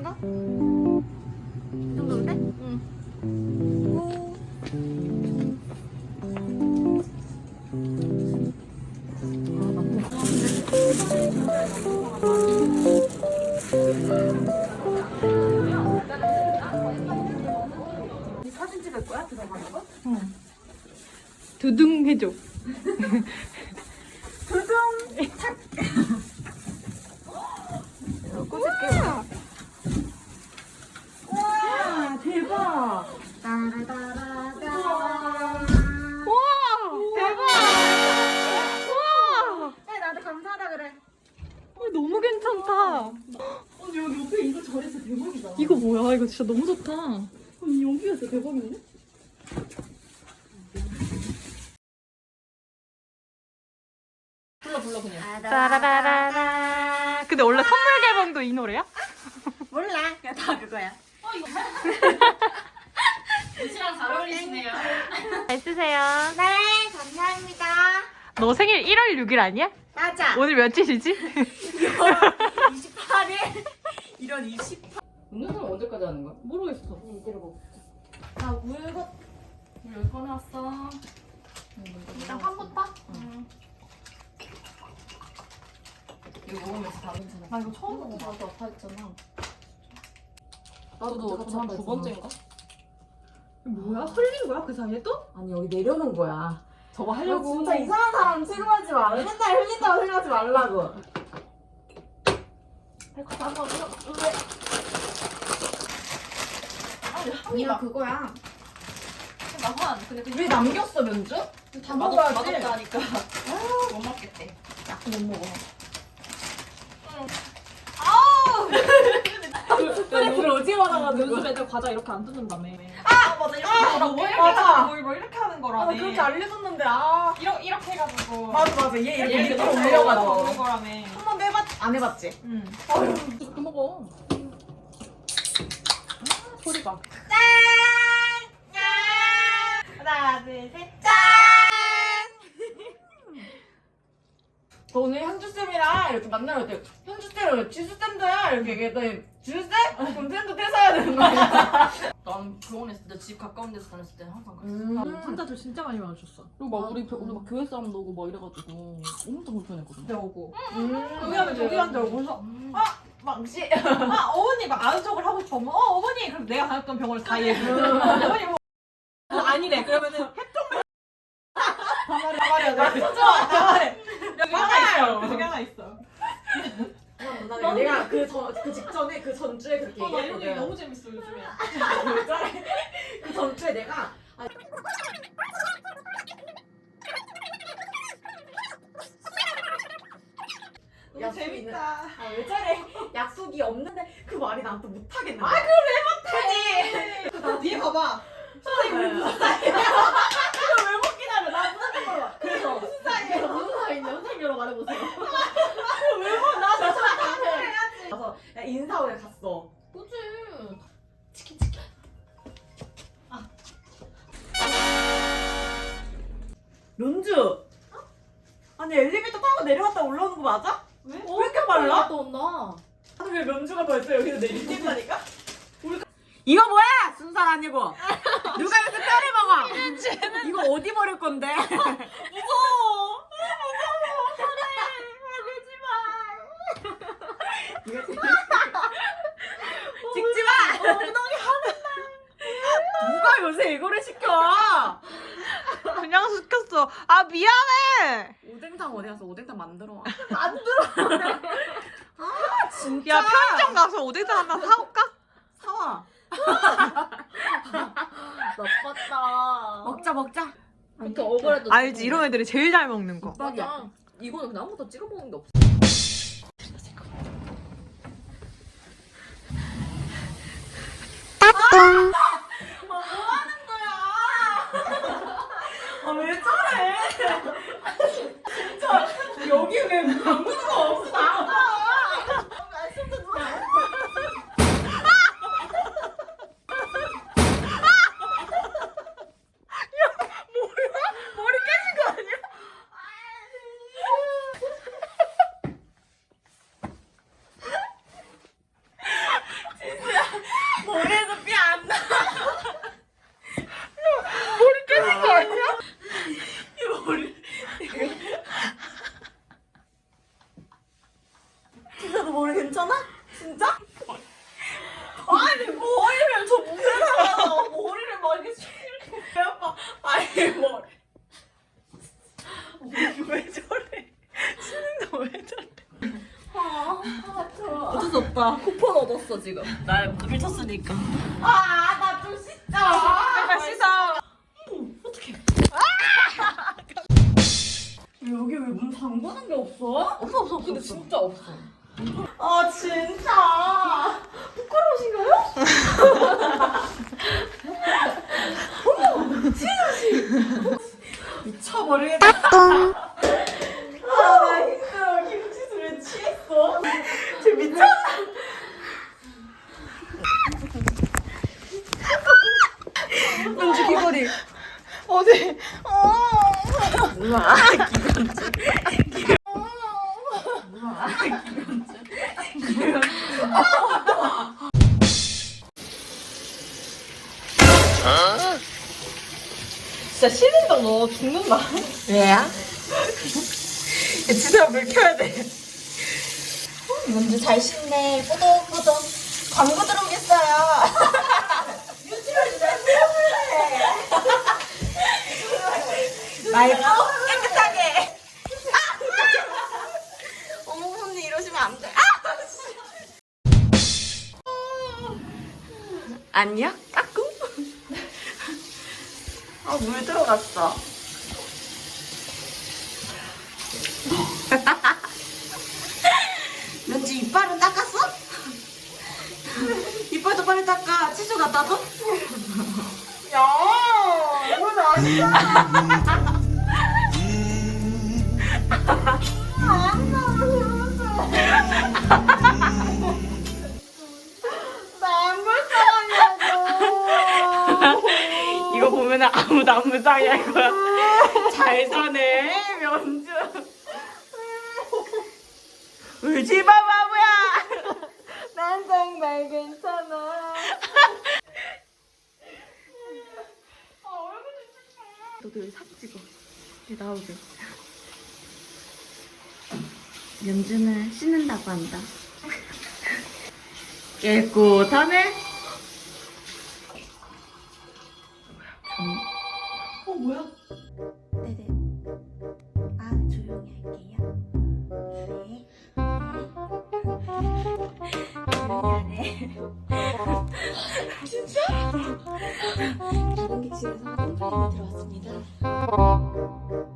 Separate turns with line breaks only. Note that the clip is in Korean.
정도? 이 정도인데? 응.
사진 찍을 거야? 들어가는 거?
응. 두둥 해줘.
두둥! 착! 꽂을게. 와, 대박!
우와! 대박! 우와!
네, 나도 감사하다 그래.
너무 괜찮다.
여기 옆에 이거 잘했어. 대박이다.
이거 뭐야? 이거 진짜 너무 좋다.
여기가 진짜 대박이네? 불러 그냥.
따라라라라. 근데 원래 선물 개봉도 이 노래야?
몰라. 그냥 다 그거야.
옷이랑 잘 어울리시네요.
잘 쓰세요.
네, 감사합니다.
너 생일 1월 6일 아니야?
맞아.
오늘 며칠이지?
28일? 이런 28일.
운동은 언제까지 하는 거야?
모르겠어.
들어보. 나 물고
여기 꺼내왔어.
일단 판부터?
이거 먹으면서 다 괜찮아.
나 이거 처음 먹어봐.
나도 아파했잖아.
나도
한 두 번째인가?
뭐야? 흘린 거야? 그 사이에 또?
아니 여기 내려놓은 거야.
저거
너
하려고.
진짜 이상한 사람 취급하지 마. 맨날 흘린다고 생각하지 말라고. 한번
아니야,
그거야.
나만 근데 그
왜 남겼어 면주? 다 먹어야지.
맛없다 하니까 못 먹겠대.
못 먹어. 스트레스를 오지게 받아가지고.
요즘 애들 과자 이렇게 안 뜯는다며.
맞아 이렇게
뭐
맞아.
뭐 이렇게 하는
아,
거라네.
그렇게 알려줬는데
이렇게 해가지고.
맞아 얘 이렇게
얘를
밑으로
먹는
올려가지고.
거라며.
한 번도 안 해봤지?
응.
또 먹어. 소리가.
하나 둘 셋. 짠! 저 오늘 현주쌤이랑 이렇게 만나러 때 현주쌤 지수쌤도야 이렇게 얘기했더니 지수쌤? 그럼 쌤도 퇴사해야 되는 거야.
난 병원 있을 때 집 가까운 데서 다녔을 때 항상 그랬어.
환자들 진짜 많이 와줬어. 그리고 막 오늘 막 교회 사람도 오고 막 이래가지고 엄청 불편했거든.
오고.
여기 하면 저기 한다고 그래서 망치.
어머니 막 아는 척을 하고 싶어. 어머니 그럼 내가 다녔던 병원을 다 얘기해. 어머니 뭐 아니래. 그러면은
가마려 돼.
여기 하나 있어. 여기 하나 있어.
내가 그 직전에 그 전주에 그렇게
나 이런 얘기
얘기했거든.
너무 재밌어 요즘에.
그 전주에 내가
너무 재밌다.
왜 저래? 약속이 없는데 그 말이 난 또 못하겠는 거야.
뒤에 봐봐.
선생님 우리 무슨 사이야? 이거 왜 못 기다려? 나 무슨 거 그래서 무슨 사이야? 무슨 사이인데 선생님으로 말해보세요. 왜나 진짜 답해. 그래서 인사원에 갔어.
그치.
런주. 아니 엘리베이터 타고 내려갔다 올라오는 거 맞아? 왜? 왜 이렇게 빨라?
또 온다.
아니 왜 면주가 벌써 여기서 내린다니까? 이거 뭐야? 순살 아니고 누가 여기서 뼈를 먹어? 이거 어디 버릴 건데? 무서워. 이거 찍지 마. 엉덩이 하는 날. 누가 요새 이거를 시켜?
그냥 시켰어. 아 미안해.
오뎅탕 어디 가서 오뎅탕 만들어 와. 진짜.
야 편의점 가서 오뎅탕 하나 사올까?
사와.
나빴다.
먹자.
그렇게 억울해도.
알지 이런 애들이 제일 잘 먹는 거.
맞아. 이거는 그냥 아무것도 찍어 먹는 게 없어.
아 왜 저래? 진짜 여기 왜 아무도 없어? 나가.
머리 깨진 거 아니야?
진짜 괜찮아? 진짜? 아니 머리를 저 무대다가 머리를 막 이렇게 왜 아파? 아니 머리
왜 저래? 신은도 왜 저래?
어쩔 수 없다. 쿠폰 얻었어 지금.
나 미쳤으니까.
나 좀 씻자.
잠깐 씻어.
여기 왜 문 잠그는 게 없어?
없어. 근데 진짜 없어.
아 진짜 부끄러우신가요? 어머 지수씨 미쳐버리겠다. 나 힘들어. 김치수 왜 취했어? 쟤 미쳤나?
은주 귀걸이. 어디?
진짜 신인당 너 죽는다.
왜야? 진짜 물 켜야 돼.
먼저 잘 씻네. 꾸덕꾸덕. 광고 들어오겠어요. 유치원 진짜 세워볼래. 말고 깨끗하게. 어머 언니 이러시면 안 돼.
아니야? 까꿍?
물 들어갔어.
왠지 이빨은 닦았어? 이빨도 빨리 닦아. 치수 갖다 줘?
야, 이건 아니야. 나안 불쌍하냐고.
이거 보면 아무도 안 불쌍해 할 거야. 잘 사네, 면주. 울지 마, 바보야.
난 정말 괜찮아.
너도 여기 사진 찍어. 이제 나오게. 면주는 씻는다고 한다. 깨끗하네.
뭐야?
네네. 아, 조용히 할게요. 네. 조용히 하네. 진짜? 관객실에서 컴플레인이 들어왔습니다.